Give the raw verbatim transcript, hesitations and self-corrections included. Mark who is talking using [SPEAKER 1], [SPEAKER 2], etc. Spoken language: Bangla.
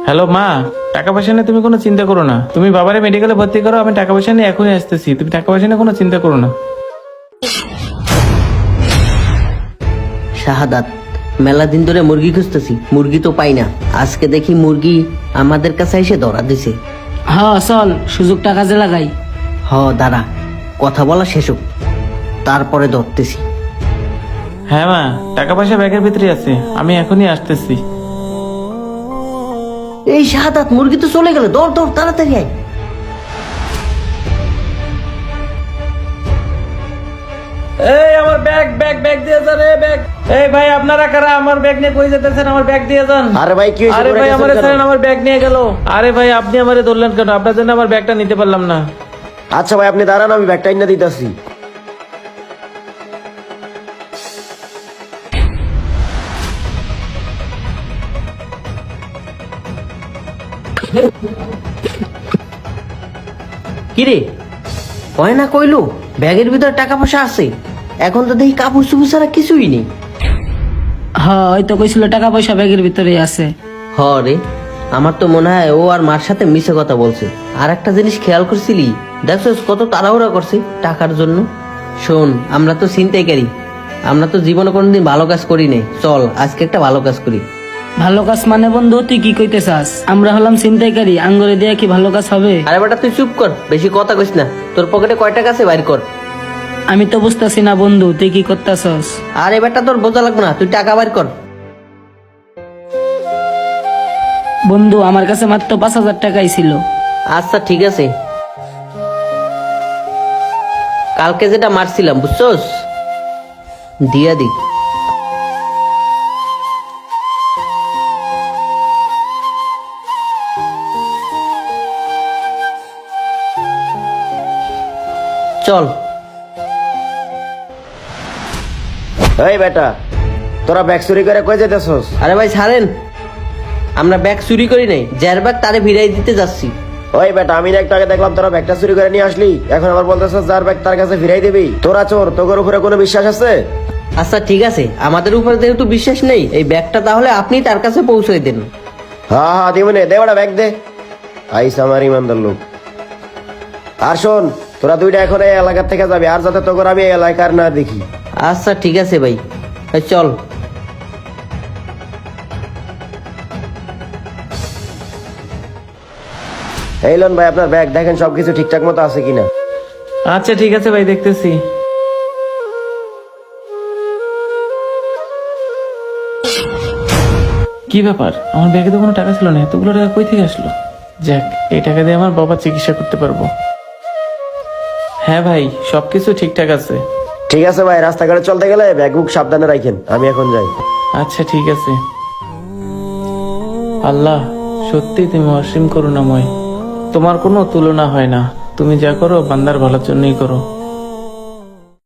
[SPEAKER 1] হ্যালো মা, টাকা পয়সা নিয়ে তুমি কোনো চিন্তা করো না। তুমি বাবারে মেডিকেলে ভর্তি করো, আমি টাকা পয়সা নিয়ে এখনই আসতেছি। তুমি টাকা পয়সা নিয়ে কোনো চিন্তা করো না।
[SPEAKER 2] শাহাদাত, মেলা দিন ধরে মুরগি খুঁজতেছি, মুরগি তো পাই না। আজকে দেখি মুরগি আমাদের কাছে এসে ধরা দিছে।
[SPEAKER 3] হ্যাঁ চল, সুযোগটা কাজে লাগাই।
[SPEAKER 2] হ দাঁড়া, কথা বলা শেষ হোক, তারপরে ধরতেছি।
[SPEAKER 1] হ্যাঁ মা, টাকা পয়সা ব্যাগের ভিতরে আছে, আমি এখনই আসতেছি।
[SPEAKER 2] এই শাহাদাত, মুরগি তো চলে গেল, দৌড় দৌড় তাড়াতাড়ি আয়।
[SPEAKER 1] এই আমার ব্যাগ ব্যাগ ব্যাগ দিয়ে যান। এই ব্যাগ, এই ভাই আপনারা কারা? আমার ব্যাগ নিয়ে কই যেতেছেন? আমার ব্যাগ দিয়ে যান।
[SPEAKER 4] আরে ভাই কি হয়েছে?
[SPEAKER 1] আরে
[SPEAKER 4] পড়ে
[SPEAKER 1] ভাই
[SPEAKER 4] গেছেন
[SPEAKER 1] আমারে
[SPEAKER 4] কেন?
[SPEAKER 1] ছাড়েন, আমার ব্যাগ নিয়ে গেল। আরে ভাই আপনি আমারে ধরলেন কেন? আপনার জন্য আমার ব্যাগটা নিতে পারলাম না।
[SPEAKER 4] আচ্ছা ভাই আপনি দাঁড়ান, আমি ব্যাগটা এনে দিতেছি।
[SPEAKER 2] কিরে, হয় না কইলো ব্যাগের ভিতরে টাকা পয়সা আছে, এখন তো দেখি কাপড় চুপড় ছাড়া কিছুই নেই।
[SPEAKER 3] হ্যাঁ ওই তো কইছিল টাকা পয়সা ব্যাগের ভিতরে আছে।
[SPEAKER 2] হ রে, আমার তো মনে হয় ও আর মার সাথে মিশে কথা বলছে। আর একটা জিনিস খেয়াল করছিলি, দেখছিস কত তাড়াহুড়া করছে টাকার জন্য। শোন, আমরা তো ছিনতাইকারী, আমরা তো জীবনে কোনোদিন ভালো কাজ করি নাই। চল আজকে একটা ভালো কাজ করি।
[SPEAKER 3] ভালো কাজ মানে বন্ধু তুই কি কইতে চাস? আমরা হলাম ছিনতাইকারী, আঙ্গুরে দিয়ে কি ভালো কাজ হবে?
[SPEAKER 2] আরে বেটা তুই চুপ কর, বেশি কথা কইস না। তোর পকেটে কয় টাকা আছে বাইর কর।
[SPEAKER 3] আমি তো বুঝতেছি না বন্ধু, তুই কি করতেছস?
[SPEAKER 2] আরে বেটা তোর বোঝা লাগবে না, তুই টাকা বাইর কর।
[SPEAKER 3] বন্ধু আমার কাছে মাত্র পাঁচ হাজার টাকাই ছিল।
[SPEAKER 2] আচ্ছা ঠিক আছে, কালকে যেটা মারছিলাম বুঝছস, দিয়া দি। চল।
[SPEAKER 4] এই বেটা, তোরা ব্যাগ চুরি করে কই যেতেছস?
[SPEAKER 2] আরে ভাই ছাড়েন, আমরা ব্যাগ চুরি করি নাই, যার ব্যাগ তারে ফিরাই দিতে যাচ্ছি।
[SPEAKER 4] ওই বেটা, আমি না একটু আগে দেখলাম তোরা ব্যাগটা চুরি করে নিয়ে আসলি, এখন আবার বলতেছস যার ব্যাগ তার কাছে ফিরাই দিবি? তোরা চোর, তোর উপরে কোনো বিশ্বাস আছে?
[SPEAKER 2] আচ্ছা ঠিক আছে, আমাদের উপরে যেহেতু বিশ্বাস নেই, এই ব্যাগটা তাহলে আপনি তার কাছে পৌঁছে দেন।
[SPEAKER 4] হ্যাঁ হ্যাঁ দিবনে, দে বেটা ব্যাগ দে। আইস আমার ইমানদার লোক। আর শোন, তোরা দুইটা এখন এই এলাকার থেকে যাবি, আর যাতে তোর আমি এই এলাকার না দেখি।
[SPEAKER 2] আচ্ছা ঠিক আছে ভাই, এই চল।
[SPEAKER 4] এই লোন ভাই আপনার ব্যাগ, দেখেন সবকিছু ঠিকঠাক মতো আছে কিনা।
[SPEAKER 1] আচ্ছা ঠিক আছে ভাই, দেখতেছি। কি ব্যাপার, আমার ব্যাগে তো কোনো টাকা ছিল না, এতগুলো টাকা কই থেকে আসলো? যাক, এই টাকা দিয়ে আমার বাবার চিকিৎসা করতে পারবো। হ্যাঁ ভাই, সবকিছু ঠিকঠাক আছে।
[SPEAKER 4] ঠিক আছে ভাই, রাস্তাঘাটে চলতে গেলে ব্যাগ বুক সাবধানে রাখেন, আমি এখন যাই।
[SPEAKER 1] আচ্ছা ঠিক আছে। আল্লাহ, সত্যি তুমি অসীম করুণাময়, তোমার কোনো তুলনা হয় না। তুমি যা করো বান্দার ভালোর জন্যই করো।